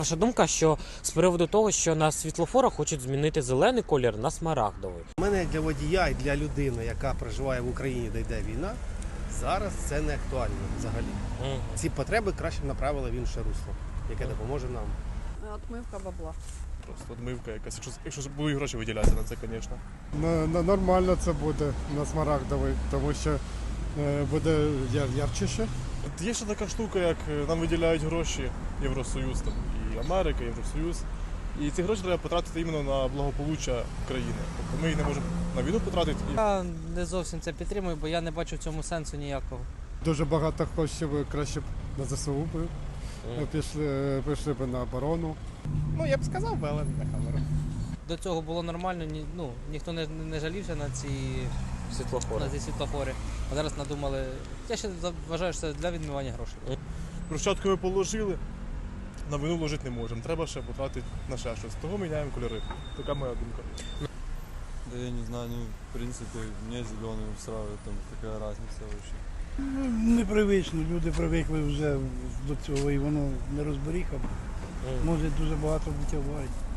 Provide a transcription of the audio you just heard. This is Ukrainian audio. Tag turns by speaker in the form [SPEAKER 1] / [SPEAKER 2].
[SPEAKER 1] Ваша думка, що з приводу того, що на світлофорах хочуть змінити зелений колір на смарагдовий?
[SPEAKER 2] У мене як для водія і для людини, яка проживає в Україні, де йде війна, зараз це не актуально взагалі. Ці потреби краще направили в інше русло, яке допоможе нам.
[SPEAKER 3] Отмивка бабла.
[SPEAKER 4] Просто відмивка якась. Якщо будуть гроші виділятися на це, звісно.
[SPEAKER 5] Нормально це буде на смарагдовий, тому що буде ярчіше.
[SPEAKER 4] От є ще така штука, як нам виділяють гроші Євросоюз, там, і Америка, Євросоюз. І ці гроші треба потратити іменно на благополуччя країни. Тобто ми їх не можемо на війну потратити.
[SPEAKER 6] Я не зовсім це підтримую, бо я не бачу в цьому сенсу ніякого.
[SPEAKER 5] Дуже багато коштів краще б на ЗСУ би пішли б на оборону.
[SPEAKER 7] Ну, я б сказав би, але не на камеру.
[SPEAKER 6] До цього було нормально, ніхто не жалівся на ці світлофори. А зараз надумали. Я ще вважаю, що це для відмивання грошей.
[SPEAKER 4] Брусчатку ми положили, на війну вложити не можемо. Треба ще потратити на ще щось. Того міняємо кольори. Така моя думка.
[SPEAKER 8] Да я не знаю, в принципе, мне зеленый устраивает, там какая разница вообще.
[SPEAKER 9] Непривично, люди привикли вже до цього і воно не розберіха. Може дуже багато бути аварій.